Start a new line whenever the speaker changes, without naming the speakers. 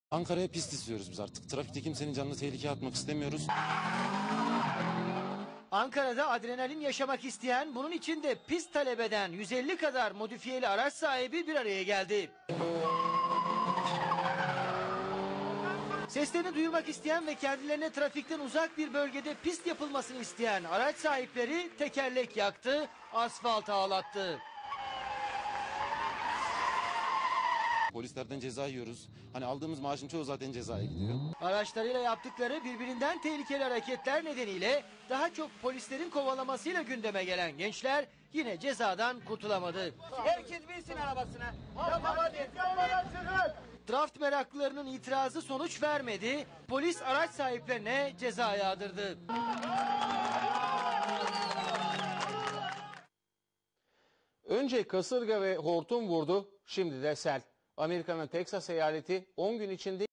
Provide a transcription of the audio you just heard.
Ankara'ya pist istiyoruz biz artık. Trafikte kimsenin canını tehlikeye atmak istemiyoruz.
Ankara'da adrenalin yaşamak isteyen, bunun için de pist talep eden 150 kadar modifiyeli araç sahibi bir araya geldi. Seslerini duyurmak isteyen ve kendilerine trafikten uzak bir bölgede pist yapılmasını isteyen araç sahipleri tekerlek yaktı, asfalt ağlattı.
Polislerden ceza yiyoruz. Hani aldığımız maaşın çoğu zaten cezaya gidiyor.
Araçlarıyla yaptıkları birbirinden tehlikeli hareketler nedeniyle daha çok polislerin kovalamasıyla gündeme gelen gençler yine cezadan kurtulamadı.
Herkes binsin arabasına.
Draft meraklılarının itirazı sonuç vermedi. Polis araç sahiplerine ceza yağdırdı.
Önce kasırga ve hortum vurdu, şimdi de sel. Amerika'nın Teksas eyaleti 10 gün içinde